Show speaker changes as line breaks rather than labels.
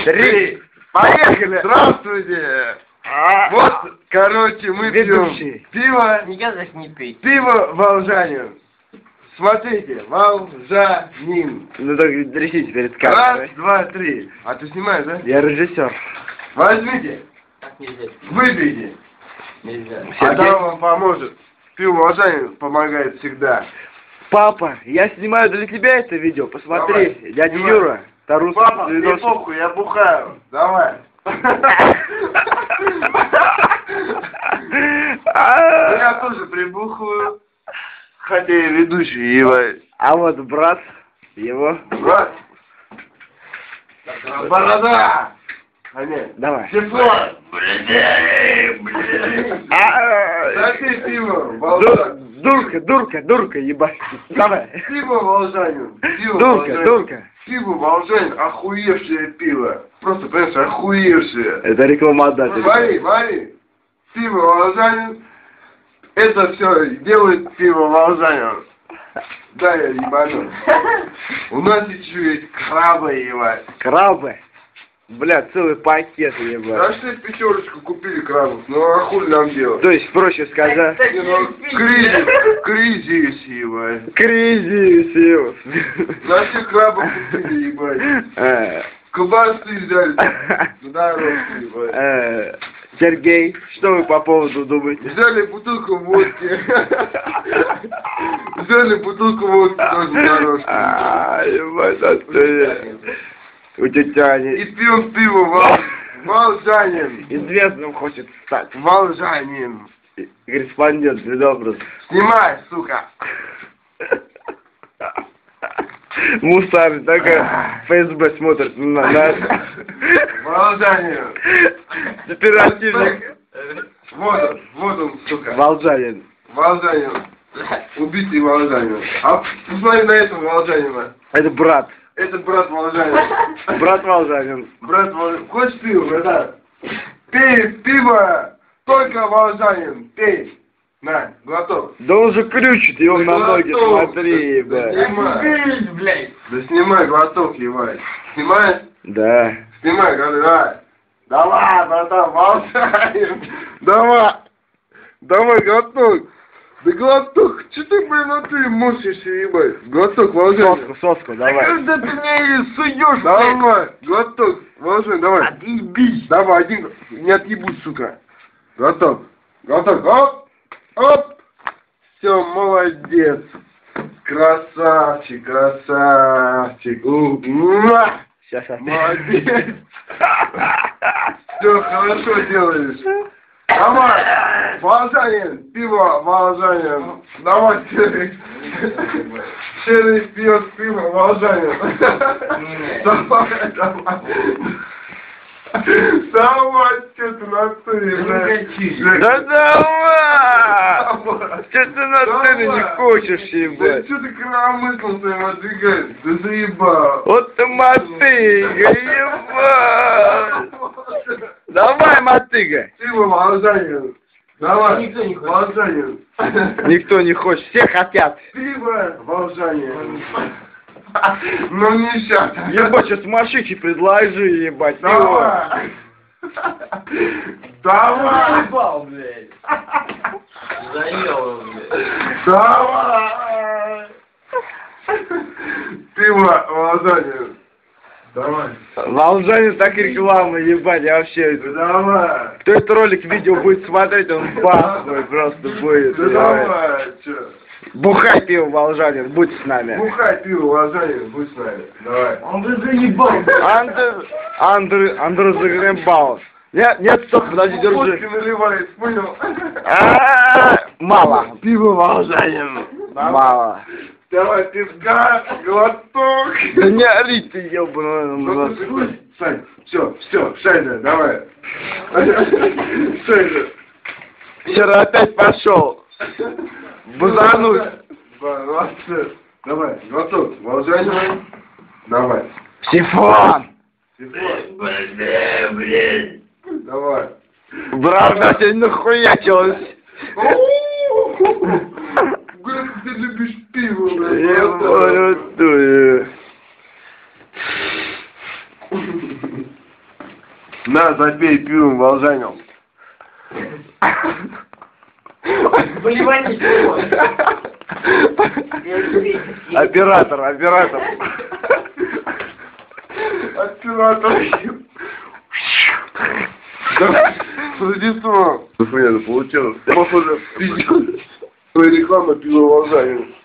3.
Поехали! Здравствуйте! Вот, короче, мы пьем пиво.
Никогда не пей.
Пиво волжанин. Смотрите, волжанин.
Ну так трясите перед
Раз,
камерой.
два, три. А ты снимаешь, да?
Я режиссер.
Возьмите,
Так нельзя.
выпейте.
Нельзя.
А там вам поможет. Пиво волжанин помогает всегда.
Папа, я снимаю для тебя это видео. Посмотри,
Давай,
дядя
снимай.
Юра. Тарус.
Папа, мне похуй, я бухаю. Давай. Я тоже прибухаю. Хотя я ведущий, ебать.
А вот брат его.
Брат. Борода. А нет.
Давай.
Тепло. Да ты пиво, волжанин.
Дурка, ебать. Давай.
Пиво волжанин. Пиво волжанин.
Дурка.
Пиво волжанин, охуевшее пиво. Просто, понимаешь, охуевшее.
Это рекламодатель.
Смотри. Пиво волжанин. Это все делает пиво волжанин. Да, я ебану. У нас еще есть крабы, ебать.
Крабы? Бля, целый пакет, ебать.
Да что пятерочку купили крабов, ну а хуй нам делать?
То есть, проще сказать,
Не, ну, кризис, ебать.
кризис.
На всех крабов купили, ебать. Колбасы взяли. Здорово, ебать.
Сергей, что вы по поводу думаете?
Взяли бутылку водки. Взяли бутылку водки тоже дорожку.
Ебать, отсюда. У тетяни.
И пьем пиво волжанин.
Известным хочет стать.
Волжанин.
Корреспондент, предобраз.
Снимай, сука.
Мусар, так ФСБ смотрит на нас.
Волжанин.
Оперативник.
Вот он, сука.
Волжанин.
Волжанин. Убитый волжанин. А посмотри на этого волжанина.
Это брат.
Это брат волжанин.
Брат Волжанин.
Брат волжанин. Хочешь пиво, братан? Пей пиво. Только волжанин. Пей. На, глоток.
Да он же крючит его на ноги,
Глоток.
смотри,
Да
ебать.
снимай.
Блядь.
Да снимай глоток, ебать. Снимай.
Да.
Снимай, давай. Давай, братан, волжанин. Давай, глоток. Да глоток, что ты, блин, на ты мучаешься, ебать? Глоток, волжанин.
Соску, давай.
Когда ты мне суешь,
Давай, глоток, волжанин, давай.
Отъебись.
Давай, один, не отъебусь, сука. Глоток, оп, оп. Все, молодец. Красавчик.
Сейчас.
Молодец. Все хорошо делаешь. Давай, волжанин, пиво, волжанин. Давай, Серый пьет пиво, волжанин. Давай, что ты на натуре, блядь.
Да давай! Че ты на сцене не хочешь,
Да
ебать?
что ты коромыслом своим отдвигаешь? Да заебал.
Вот ты мотыга, ебать! Давай, мотыга!
Пиво, волжанин. Давай,
Никто не хочет.
волжанин.
Никто не хочет, все хотят.
Пиво, волжанин. Ну не сейчас.
Ебать, сейчас машите предложи, ебать. пиво.
Давай.
Заебал, блядь. Заел, блядь.
Давай. Пиво, волжанин. Давай.
Волжанин так реклама, ебать, я вообще...
Давай.
Кто этот ролик, видео будет смотреть, он бахуй просто будет.
Да
ебать.
давай, чё.
Бухай пиво, Волжанин, будь с нами.
Бухай пиво, волжанин, будь с нами. Давай.
Он бы заебал.
Андрей загребал. Нет, стоп, подожди,
Водки
держи.
наливает, понял?
Мало.
Пиво, волжанин.
Мало.
Давай, пивка, глоток.
Да не ори ты, ебаный.
Сань, все, Шайда, давай. Шайда.
Вчера опять пошел. Бузануть.
Давай, глоток, волжанин. Давай.
Сифон.
Блядь.
Давай.
Правда, сегодня нахуячилась.
Как ты любишь пиво, блядь.
Я понял.
На, запей пивом волжанем.
Блеванись его.
Оператор, оператор.
Оператор. Да, Рождество. Нет, получилось. Похоже, пиздец. Реклама пива волжанем.